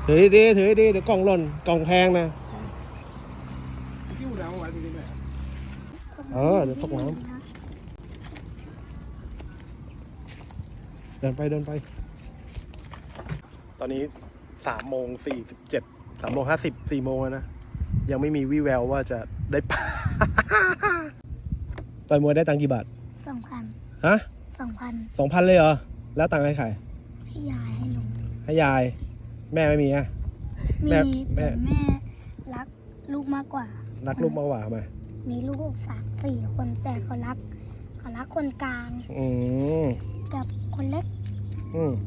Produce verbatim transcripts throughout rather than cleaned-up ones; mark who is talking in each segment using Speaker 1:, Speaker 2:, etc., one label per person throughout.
Speaker 1: ถือดีถือดีเดี๋ยวกล่องหล่นกล่องแพงนะเออเดี๋ยวตกน้ำเดินไปเดินไปตอนนี้สามโมงสี่สิบเจ็ดสามโมงห้าสิบสี่โมงนะยังไม่มีวี่แววว่าจะได้ปลา ต่อยมวยได้ตังค์กี่บาท
Speaker 2: สองพัน
Speaker 1: ฮะ
Speaker 2: สองพัน
Speaker 1: สองพันเลยเหรอแล้วตังค์ให้ใคร
Speaker 2: ให้ยายให้ลุง
Speaker 1: ให้ยายแม่ไม่มีอ่ะ
Speaker 2: มีแต่แม่รักลูกมากกว่า
Speaker 1: รักลูกมากกว่าทำไม
Speaker 2: มีลูกสามสี่คนแต่เขารักเขารักคนกลาง
Speaker 1: อืม
Speaker 2: กับคนเล็ก
Speaker 1: อืม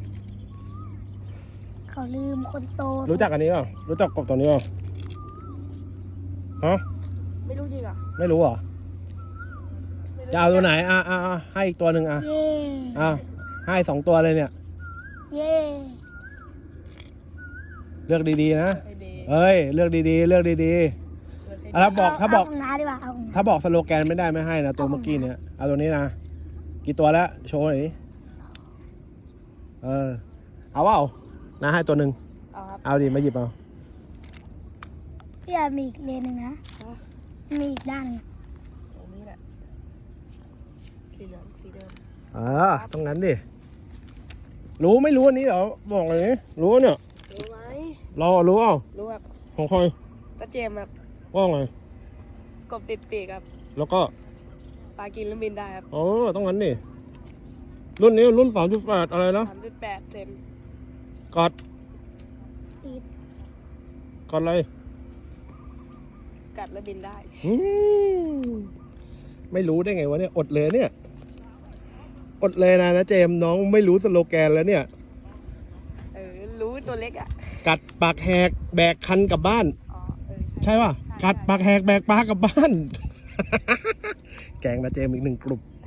Speaker 2: เขาลืมคนโต
Speaker 1: รู้จักอันนี้เปล่ารู้จักกบตัวนี้เปล่าฮะ
Speaker 2: ไม่รู้จริงอ่ะ
Speaker 1: ไม่รู้เหรอจะเอาตัวไหนอ่ะอ่ะอ่ะให้อีกตัวหนึ่งอ่ะ
Speaker 2: เย่
Speaker 1: อ่ะให้สองตัวเลยเนี่ย
Speaker 2: เย่
Speaker 1: เลือกดีๆนะเอ้ยเลือกดีๆเลือกดีๆถ้าบอกถ้าบอกถ้าบอกสโลแกนไม่ได้ไม่ให้นะตัวเมื่อกี้เนี่ยเอาตัวนี้นะกี่ตัวแล้วโชว์หน่อยเออเอาเปล่านะให้ตัวหนึ่งเอาครับเอาดิมาหยิบเอา
Speaker 2: พี่อามีอีกเลนหนึ่งนะมีอีกด้านนึง
Speaker 3: ตรงนี้แหละสีเหลืองสีเดิม
Speaker 1: อ่าตรงนั้นดิรู้ไม่รู้อันนี้เหรอบอกเลยรู้เนี่ย
Speaker 3: รู้ไหม
Speaker 1: เรารู้เปล่า
Speaker 3: รู้ครับ
Speaker 1: ของใคร
Speaker 3: ตาเจมครับ
Speaker 1: ว่าไง
Speaker 3: กบติดปีกครับ
Speaker 1: แล้วก็
Speaker 3: ปลากินแล้วบินได้ครับ
Speaker 1: อ๋อต้องงั้นดิรุ่นนี้รุ่นสามจุดแปดอะไรนะ
Speaker 3: สามจุดแปดเซน
Speaker 1: กอดกอดอะไร
Speaker 3: กัดแล้วบินได้
Speaker 1: ไม่รู้ได้ไงวะเนี่ยอดเลยเนี่ยอดเลยนะนะเจมน้องไม่รู้สโลแกนแล้วเนี่ย
Speaker 3: เออรู้ตัวเล็กอ่ะ
Speaker 1: กัดปากแหกแบกคันกลับบ้าน
Speaker 3: อ๋อเออ
Speaker 1: ใช่ป่ะกัดปากแหกแบกปลากลับบ้าน แกงนะเจมอีกหนึ่งกลุ่ม